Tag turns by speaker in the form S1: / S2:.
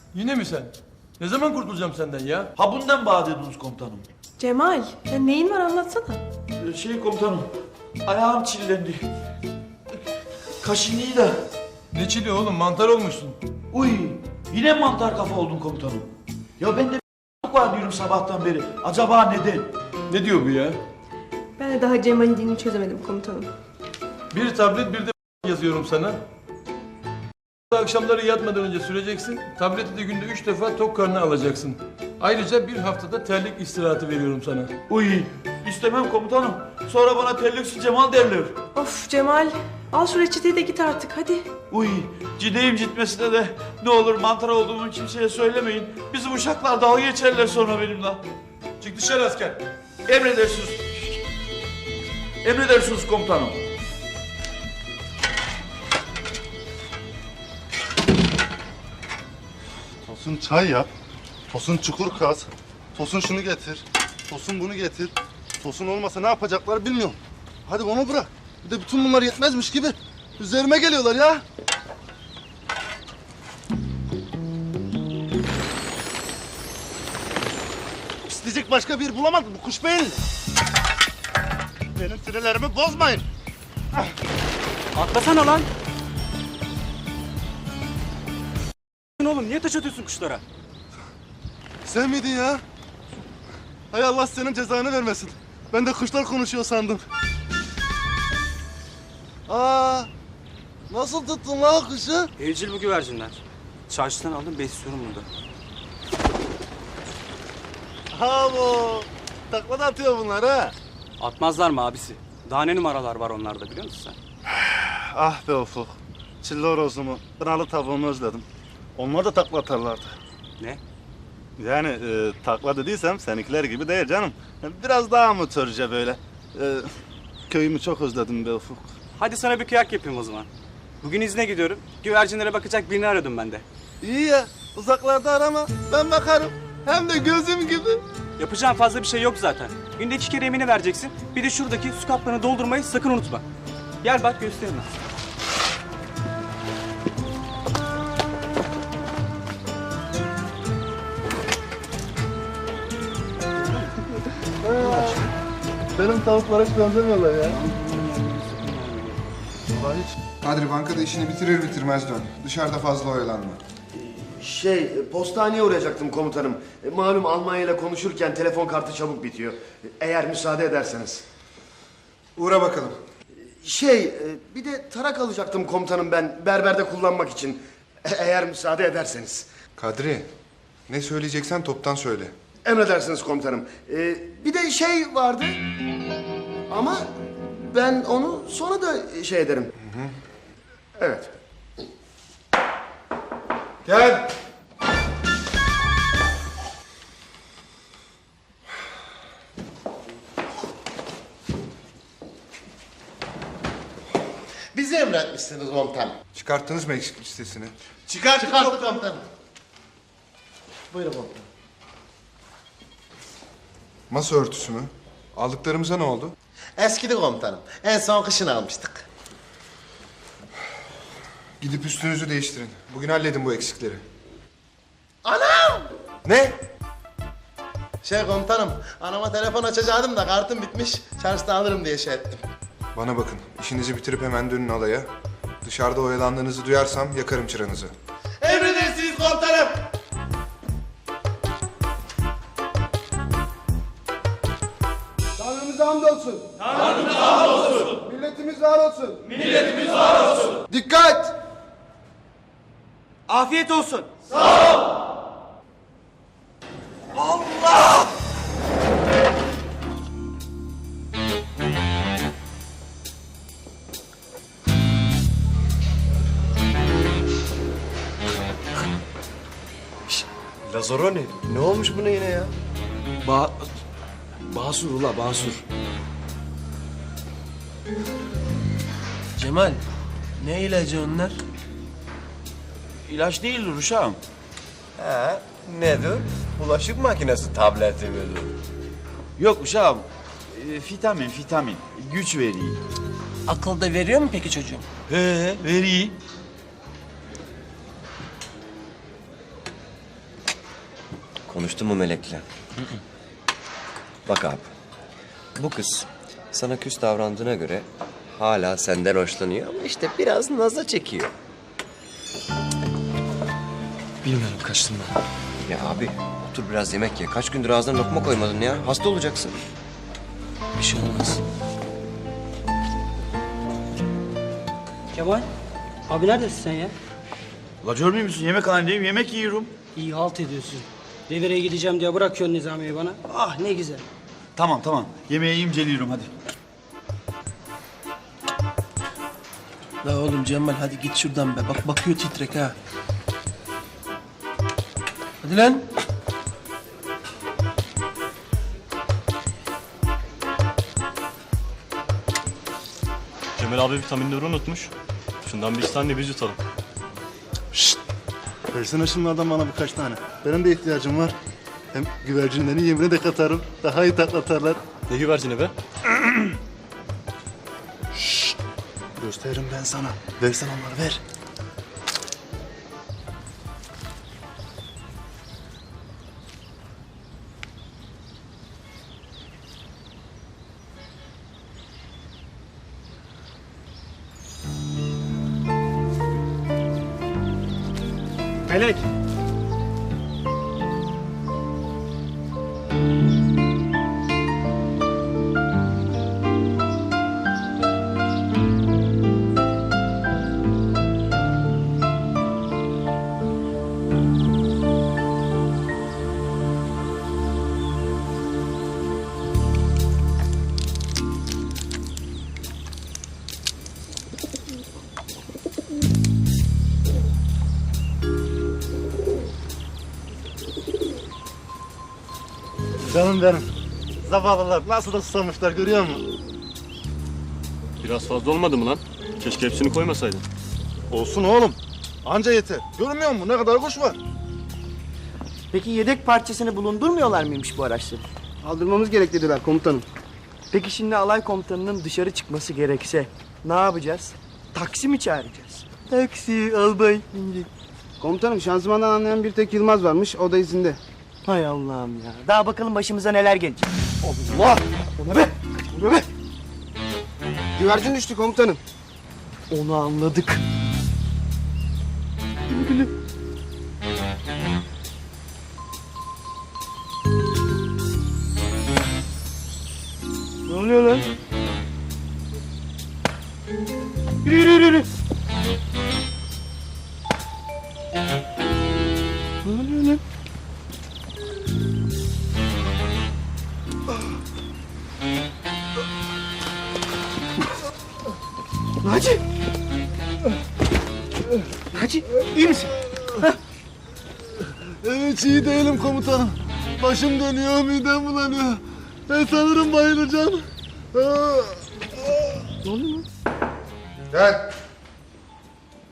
S1: Yine mi sen? Ne zaman kurtulacağım senden ya?
S2: Ha bundan bahsediniz komutanım.
S3: Cemal, ya neyin var anlatsana.
S2: Komutanım, ayağım çillendi. Kaşınıyı da.
S1: Ne çili oğlum, mantar olmuşsun.
S2: Uy, yine mantar kafa oldun komutanım. Ya ben de var diyorum sabahtan beri. Acaba neden?
S1: Ne diyor bu ya?
S3: Ben de daha Cemal'in dilini çözemedim komutanım.
S1: Bir tablet bir de yazıyorum sana. Akşamları yatmadan önce süreceksin. Tableti de günde 3 defa tok karnına alacaksın. Ayrıca bir haftada terlik istirahatı veriyorum sana.
S2: Uy, istemem komutanım. Sonra bana terliksi Cemal derler.
S3: Of Cemal, al şu reçeteyi de git artık hadi.
S2: Uy, cideyim gitmesine de ne olur mantar olduğumu kimseye söylemeyin. Bizim uşaklar dalga geçerler sonra benimle.
S1: Çık dışarı asker.
S2: Emredersiniz. Emredersiniz komutanım.
S4: Tosun çay yap. Tosun çukur kaz. Tosun şunu getir. Tosun bunu getir. Tosun olmasa ne yapacaklar bilmiyorum. Hadi onu bırak. Bir de bütün bunlar yetmezmiş gibi üzerime geliyorlar ya. İsteyecek başka bir bulamadım bu kuş beyinli. Benim sinirlerimi bozmayın.
S5: Atlasana lan. Oğlum niye taş atıyorsun kuşlara?
S4: Sen miydin ya? Hay Allah senin cezanı vermesin. Ben de kuşlar konuşuyor sandım. Aa, nasıl tuttun lan o kuşu?
S5: Evcil bu güvercinler. Çarşıdan aldım besliyorum burada.
S4: Ha bu. Takla da atıyor bunlar ha.
S5: Atmazlar mı abisi? Daha ne numaralar var onlarda biliyor musun sen?
S4: Ah be Ufuk. Çilli horozumu, kınalı tavuğumu özledim. Onlar da takla atarlardı.
S5: Ne?
S4: Yani takla dediysem seninkiler gibi değil canım. Biraz daha amatörce böyle. Köyümü çok özledim be Ufuk.
S5: Hadi sana bir kıyak yapayım o zaman. Bugün izne gidiyorum. Güvercinlere bakacak birini arıyordum ben de.
S4: İyi ya, uzaklarda arama. Ben bakarım. Hem de gözüm gibi.
S5: Yapacağın fazla bir şey yok zaten. Günde 2 kere yemini vereceksin. Bir de şuradaki su kaplarını doldurmayı sakın unutma. Gel bak göstereyim ben.
S4: Benim tavuklara hiç benzemiyorlar ya.
S6: Kadri bankada işini bitirir bitirmez dön. Dışarıda fazla oyalanma.
S7: Postaneye uğrayacaktım komutanım. Malum Almanya ile konuşurken telefon kartı çabuk bitiyor. Eğer müsaade ederseniz.
S6: Uğra bakalım.
S7: Bir de tarak alacaktım komutanım ben berberde kullanmak için. Eğer müsaade ederseniz.
S6: Kadri, ne söyleyeceksen toptan söyle.
S7: Emredersiniz komutanım. Bir de vardı. Ama ben onu sonra da ederim. Evet.
S6: Gel.
S7: Bizi emretmişsiniz komutanım.
S6: Çıkarttınız mı eksik listesini?
S7: Çıkarttık komutanım. Buyurun komutanım.
S6: Masa örtüsü mü? Aldıklarımıza ne oldu?
S7: Eskidi komutanım. En son kışın almıştık.
S6: Gidip üstünüzü değiştirin. Bugün halledin bu eksikleri.
S7: Anam!
S6: Ne?
S7: Komutanım, anama telefon açacaktım da kartım bitmiş. Çarşıdan alırım diye ettim.
S6: Bana bakın, işinizi bitirip hemen dönün alaya. Dışarıda oyalandığınızı duyarsam yakarım çıranızı.
S7: Emredersiniz komutanım.
S6: Tanrımıza hamdolsun. Tanrımıza hamdolsun. Milletimiz var olsun. Milletimiz var olsun. Dikkat!
S5: Afiyet olsun.
S7: Lazaroni, ne olmuş buna yine ya?
S8: Basur ula Basur. Cemal, ne ilacı onlar?
S2: İlaç değildir uşağım.
S8: He, nedir? Bulaşık makinesi tableti midir?
S2: Yok uşağım. Vitamin. Güç veriyor.
S8: Akıl da veriyor mu peki çocuğum?
S2: Veriyor.
S9: Konuştun mu Melek'le? Bak abi, bu kız sana küs davrandığına göre hala senden hoşlanıyor ama işte biraz naza çekiyor.
S8: Bilmiyorum, kaçtım ben.
S9: Ya abi, otur biraz yemek ye. Kaç gündür ağzına lokma koymadın ya. Hasta olacaksın.
S8: Bir şey olmaz.
S10: Kemal, abi neredesin sen ya?
S2: La görmüyor musun? Yemekhanedeyim, yemek yiyorum.
S10: İyi halt ediyorsun. Devreye gideceğim diye bırakıyorsun Nizami'yi bana. Ah ne güzel.
S2: Tamam tamam. Yemeği inceliyorum hadi.
S8: La oğlum Cemal hadi git şuradan be. Bak bakıyor titrek ha. Hadi lan.
S11: Cemal abi vitaminleri unutmuş. Şundan bir iki tane biz yutalım.
S4: Versene şunlardan bana birkaç tane. Benim de ihtiyacım var. Hem güvercinlerin yemine de katarım. Daha iyi taklatarlar.
S11: Ne güvercini be?
S4: Gösteririm ben sana. Versen onları ver.
S10: Melek.
S4: Canım benim. Zavallılar nasıl da susamışlar görüyor musun?
S11: Biraz fazla olmadı mı lan? Keşke hepsini koymasaydın.
S4: Olsun oğlum. Anca yeter. Görmüyor musun ne kadar kuş var?
S12: Peki yedek parçasını bulundurmuyorlar mıymış bu araçları?
S6: Aldırmamız gerek dediler komutanım.
S12: Peki şimdi alay komutanının dışarı çıkması gerekse ne yapacağız? Taksi mi çağıracağız? Taksi albay.
S6: Komutanım şanzımandan anlayan bir tek Yılmaz varmış. O da izinde.
S12: Hay Allah'ım ya. Daha bakalım başımıza neler gelecek.
S6: Allah! O ne be? O ne be? Güvercin düştü komutanım.
S12: Onu anladık.
S6: Ne oluyor lan? Yürü yürü yürü, yürü. Ne oluyor lan? Naci! Naci iyi misin?
S4: Evet iyi değilim komutanım. Başım dönüyor, midem bulanıyor. Ben sanırım bayılacağım.
S6: Ne oluyor lan?
S4: Gel.